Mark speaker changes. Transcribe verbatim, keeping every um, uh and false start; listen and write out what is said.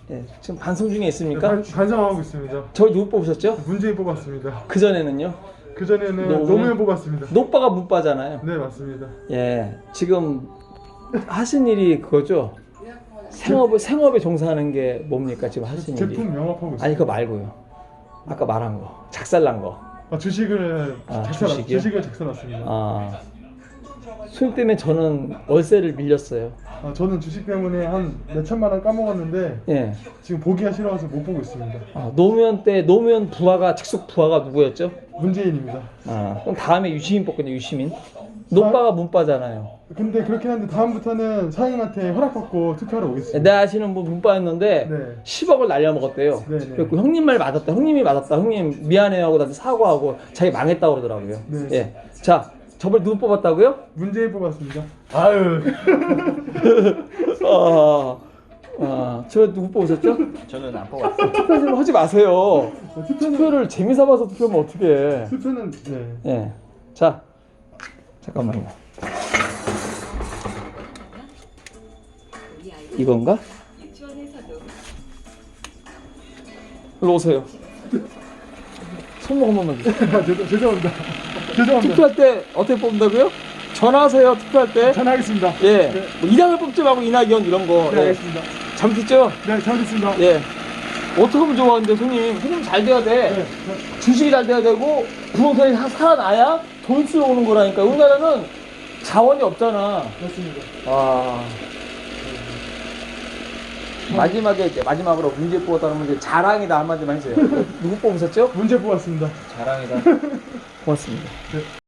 Speaker 1: 예, 지금 반성 중에 있습니까?
Speaker 2: 반, 반성하고 있습니다.
Speaker 1: 저희 누구 뽑으셨죠?
Speaker 2: 문재인 뽑았습니다.
Speaker 1: 그 전에는요?
Speaker 2: 그 전에는
Speaker 1: 노무현?
Speaker 2: 노무현 뽑았습니다.
Speaker 1: 노빠가 문빠잖아요.
Speaker 2: 네, 맞습니다.
Speaker 1: 예, 지금 하신 일이 그거죠? 생업을 생업에 종사하는 게 뭡니까 지금 하신 일이?
Speaker 2: 제품 영업하고 있습니다.
Speaker 1: 아니 그거 말고요. 아까 말한 거, 작살난 거.
Speaker 2: 아, 주식을
Speaker 1: 아,
Speaker 2: 작살
Speaker 1: 주식이요?
Speaker 2: 주식을 작살났습니다.
Speaker 1: 아, 수익 때문에 저는 월세를 밀렸어요.
Speaker 2: 아, 저는 주식 때문에 한 몇천만 원 까먹었는데
Speaker 1: 예.
Speaker 2: 지금 보기가 싫어서 못 보고 있습니다.
Speaker 1: 아, 노무현 때 노무현 부하가 직속 부하가 누구였죠?
Speaker 2: 문재인입니다.
Speaker 1: 아, 그럼 다음에 유시민 뽑겠네. 유시민. 노빠가 문빠잖아요.
Speaker 2: 근데 그렇긴 한데 다음부터는 사장님한테 허락받고 투표하러 오겠습니다.
Speaker 1: 내 아시는 분 문빠였는데
Speaker 2: 네.
Speaker 1: 십억을 날려먹었대요.
Speaker 2: 네, 네.
Speaker 1: 그래서 형님 말 맞았다. 형님이 맞았다. 형님 미안해요 하고 나한테 사과하고 자기 망했다고 그러더라고요.
Speaker 2: 네.
Speaker 1: 예. 자, 저번에 누구 뽑았다고요?
Speaker 2: 문재인 뽑았습니다.
Speaker 1: 아유. 아, 아, 저 누구 뽑으셨죠?
Speaker 3: 저는 안 뽑았어요.
Speaker 1: 투표 좀 하지 마세요.
Speaker 2: 투표는
Speaker 1: 투표를 재미삼아서 투표하면 어떻게 해.
Speaker 2: 투표는 네.
Speaker 1: 예. 자, 잠깐만요. 이건가? 일로 오세요. 손목 한 번만 주세요.
Speaker 2: 아, 죄송- 죄송합니다. 죄송합니다.
Speaker 1: 투표할 때 어떻게 뽑는다고요? 전화하세요. 투표할 때.
Speaker 2: 전화하겠습니다.
Speaker 1: 예.
Speaker 2: 네.
Speaker 1: 뭐 이낙연 뽑지 말고 이낙연 이런 거.
Speaker 2: 네,
Speaker 1: 예.
Speaker 2: 알겠습니다.
Speaker 1: 잘못했죠?
Speaker 2: 네, 잘못했습니다.
Speaker 1: 예. 어떻게 하면 좋아, 근데 손님. 손님 잘 돼야 돼.
Speaker 2: 네.
Speaker 1: 주식이 잘 돼야 되고, 부동산이 사- 살아나야 돈 쓰러 오는 거라니까. 우리나라는 자원이 없잖아.
Speaker 2: 맞습니다.
Speaker 1: 와. 마지막에, 이제 마지막으로 문제 뽑았다는 문제 자랑이다 한마디만 해주세요. 누구 뽑으셨죠?
Speaker 2: 문제 뽑았습니다.
Speaker 1: 자랑이다. 고맙습니다.
Speaker 2: 네.